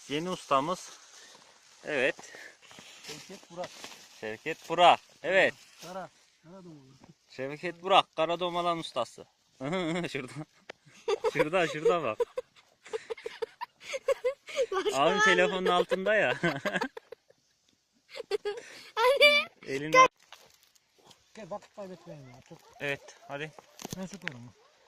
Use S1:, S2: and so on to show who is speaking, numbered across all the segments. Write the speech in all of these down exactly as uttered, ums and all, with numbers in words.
S1: Yeni ustamız. Evet.
S2: Şevket Burak.
S1: Şevket Burak. Evet.
S2: Kara. Kara domalı.
S1: Şevket Burak. Karadomalan ustası. Şurada. Şurada şurada bak. Abim telefonun altında ya. Elinde.
S2: Gel bak kaybetmeyin ya. Tut.
S1: Evet hadi.
S2: Ben sokarım.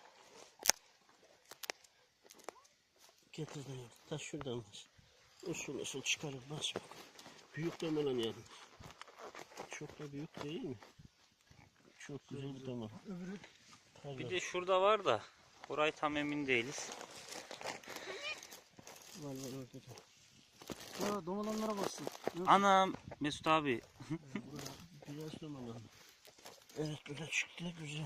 S3: Getir de yardım. Taş şuradan bas. Usul usul çıkarır bas bak. Büyük damalan yardım. Çok da büyük değil mi? Çok güzel bir damal.
S2: Öbürü.
S1: Bir de şurada var da. Burayı tam emin değiliz.
S3: Var var orada da.
S2: Ya domalanlara bassın.
S1: Anam Mesut abi.
S3: Biraz damalan. Evet böyle çıktı güzel.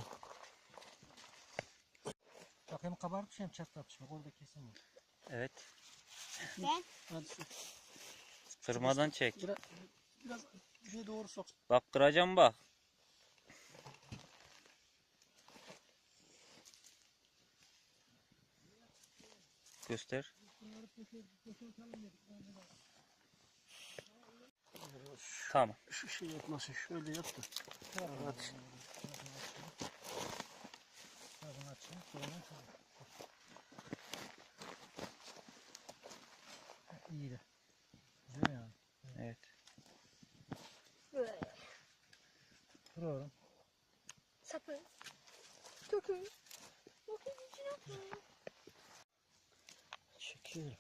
S2: Bak hem kabarmış hem çatlatmış. Bak orada kesin var.
S1: Evet.
S4: Ben
S2: Hadi şu.
S1: Kırmadan çek.
S2: Biraz, biraz şey doğru sok.
S1: Bak kıracağım bak. Göster. Tamam.
S3: Şu şey yapmasın şöyle yap da. Evet.
S2: Bakın açayım. Sonra tamam. İyi de. Güzel yani.
S1: Evet.
S4: böyle
S2: Dur oğlum.
S4: sapı. Dokun. Dokun içine koy.
S3: Çekiyorum.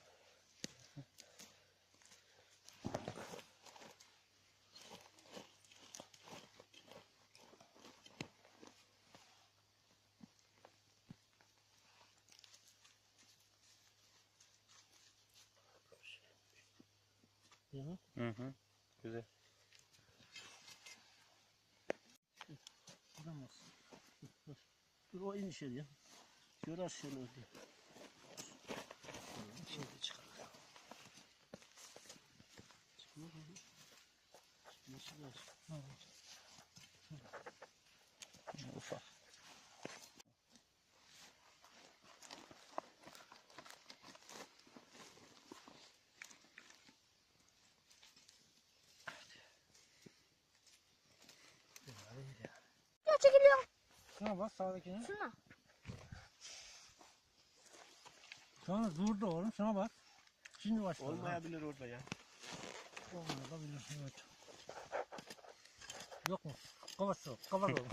S3: Ya.
S1: Hı hı. Güzel.
S2: Buradan bassın.
S3: Dur o in içeriye. Görer seni orada. Şimdi çıkar. Çıkmaz mı? Çıkması lazım.
S1: Ufak.
S4: Ya çekiliyorum.
S2: Şuna bak sağdakine.
S4: Şuna.
S2: Sonra durdu oğlum. Şuna bak. Şimdi başladı.
S3: Olmayabilir orada ya.
S2: Olmayabilir. Evet. Yok mu? Kapat yok. Kapat oğlum.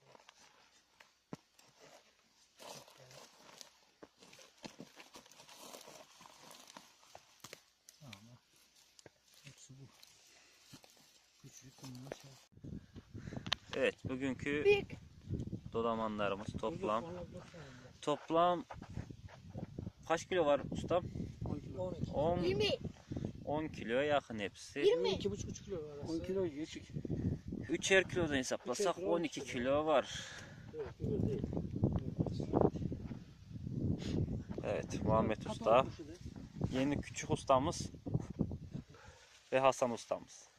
S2: Tamam. Hepsi bu. Küçük bunlar şey.
S1: Evet bugünkü
S4: Büyük.
S1: dodamanlarımız toplam. Toplam kaç kilo var ustam? on,
S4: Yirmi.
S1: on kiloya yakın hepsi.
S4: Yirmi.
S2: iki buçuk üç kilo var.
S3: on kilo geçik.
S1: Üçer kilodan hesaplasak on iki kilo var.
S3: Evet, öyle değil.
S1: Evet Muhammed Usta. Yeni küçük ustamız ve Hasan ustamız.